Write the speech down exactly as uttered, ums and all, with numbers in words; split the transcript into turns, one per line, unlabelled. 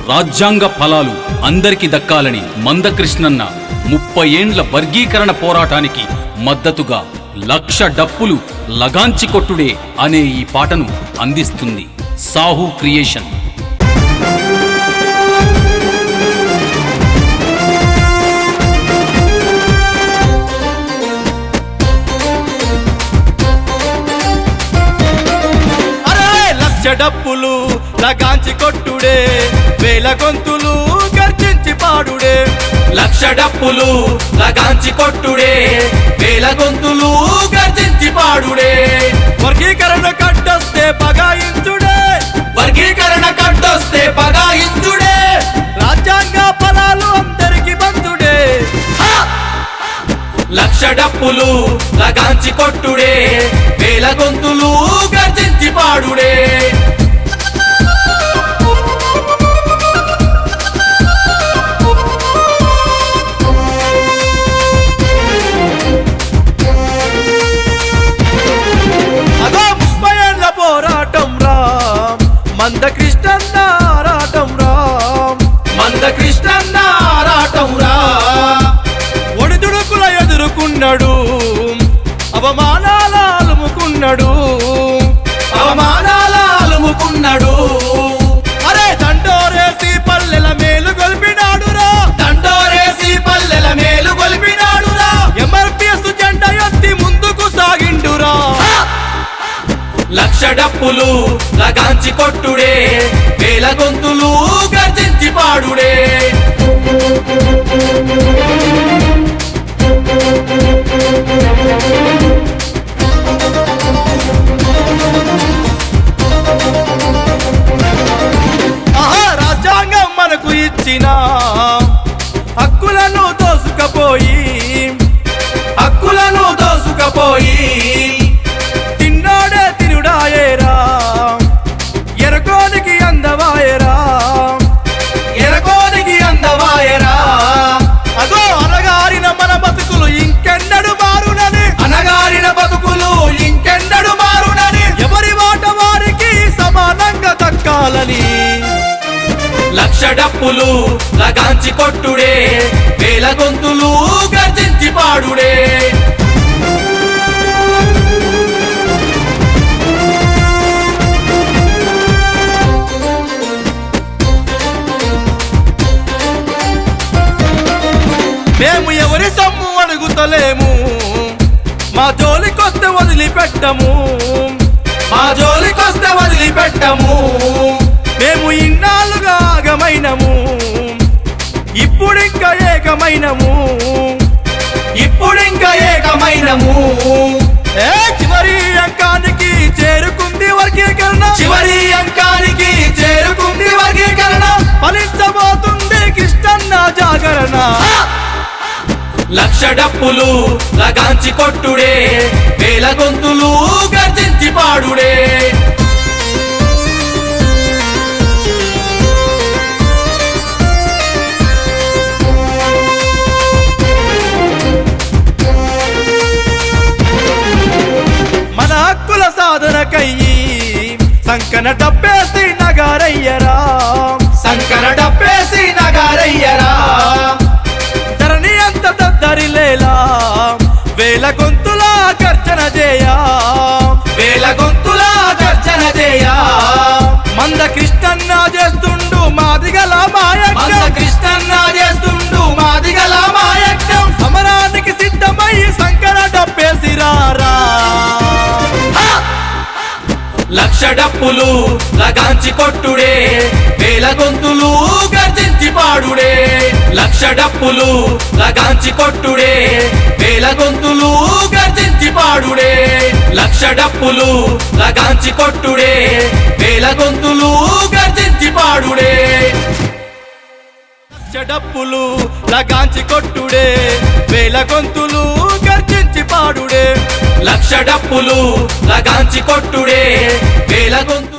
రాజ్యాంగ ఫలాలు అందరికి దక్కాలని మందకృష్ణన్న ముప్పై ఏండ్ల వర్గీకరణ పోరాటానికి మద్దతుగా లక్ష డప్పులు లగాంచి కొట్టుడే అనే ఈ పాటను అందిస్తుంది సాహు క్రియేషన్.
డప్పులు లగాంచి కొట్టుడే వేల గొంతులు గర్జించి పాడుడే.
లక్ష డప్పులు లగాంచి కొట్టుడే వేల గొంతులు గర్జించి పాడుడే.
వర్గీకరణ కట్టొస్తే పగాయించుడే,
వర్గీకరణ కట్టొస్తే పగాయించుడే.
రాజ్యాంగ ఫలాలు అందరికి బంధుడే.
లక్ష డప్పులు లగాంచి కొట్టుడే వేల గొంతులు గర్జించి పాడుడే.
అదో ముప్పై ఏళ్ల పోరాటం రామ్ మందకృష్ణన్న ఆరాటం రామ్
మందకృష్ణన్న ఆరాటం రా.
ఒడిదుడుకుల ఎదుర్కొన్నాడు, అవమానాల అలుముకున్నాడు,
అవమానాల అలుముకున్నాడు.
అరే దండోరేసి పల్లెల మేలు గొలిపినాడురా,
దండోరేసి పల్లెల మేలు గొలిపినాడురా.
ఎంఆర్పిఎస్ జెండా ఎత్తి ముందుకు సాగిండురా.
లక్ష డప్పులు లగాంచి కొట్టుడే వేల గొంతులు గర్జించి పాడుడే.
ఆహా రాజ్యాంగం మనకు ఇచ్చిన హక్కులను దోసుకపోయి,
హక్కులను దోసుకపోయి
తిన్నాడే తినుడాయేరా, ఎరకోనికి అందవాయేరా,
ఎరకోనికి అందవాయరా.
అదో అనగారిన మన బతుకులు ఇంకెన్నడు మారునని,
అనగారిన బతుకులు ఇంకెన్నడు మారునని.
ఎవరి మాట వారికి సమానంగా దక్కాలని.
లక్ష డప్పులు లగాంచి కొట్టుడే వేల గొంతులు గర్జించి పాడుడే.
మేము ఎవరి సొమ్ము అడుగుతలేము, మా జోలికొస్తే వదిలిపెట్టము,
మా జోలికొస్తే వదిలిపెట్టము.
మేము ఇన్నాళ్ళుగా ఆగమైనము, ఇప్పుడింకా ఏకమైనము,
ఇప్పుడింక ఏకమైనము.
ఏ చివరి అంకానికి చేరుకుంది వర్గీకరణ,
చివరి అంకానికి చేరుకుంది వర్గీకరణ.
ఫలించబోతుంది కృష్ణన్న జాగరణ.
లక్ష డప్పులు లగాంచి కొట్టుడే వేల గొంతులు గర్జించి పాడుడే.
మన హక్కుల సాధనకయ్యి సంకన డబ్బేసి నగారయ్యరా,
సంకర డప్పేసి నగారయ్యరా.
ధరణి అంత దద్దరిలేలా వేల గొంతుల గర్జన చేయా,
వేల గొంతుల గర్జన చేయా.
మందకృష్ణన్న చేస్తుండు మాదిగల మాయజ్ఞం,
మందకృష్ణన్న చేస్తుండు మాదిగల మాయజ్ఞం.
సమరానికి సిద్ధమై సంకర డబ్బేసిరారా.
లక్ష డప్పులు లగాంచి కొట్టుడే వేల గొంతులు గర్జించి పాడుడే. లక్ష డప్పులు లగాంచి కొట్టుడే వేల గొంతులు గర్జించి పాడుడే. లక్ష డప్పులు లగాంచి కొట్టుడే వేల గొంతులు గర్జించి పాడుడే.
లక్ష డప్పులు లగాంచి కొట్టుడే వేల గొంతులు గర్జించి పాడుడే.
లక్ష డప్పులు లగాంచి కొట్టుడే వేల గొంతులు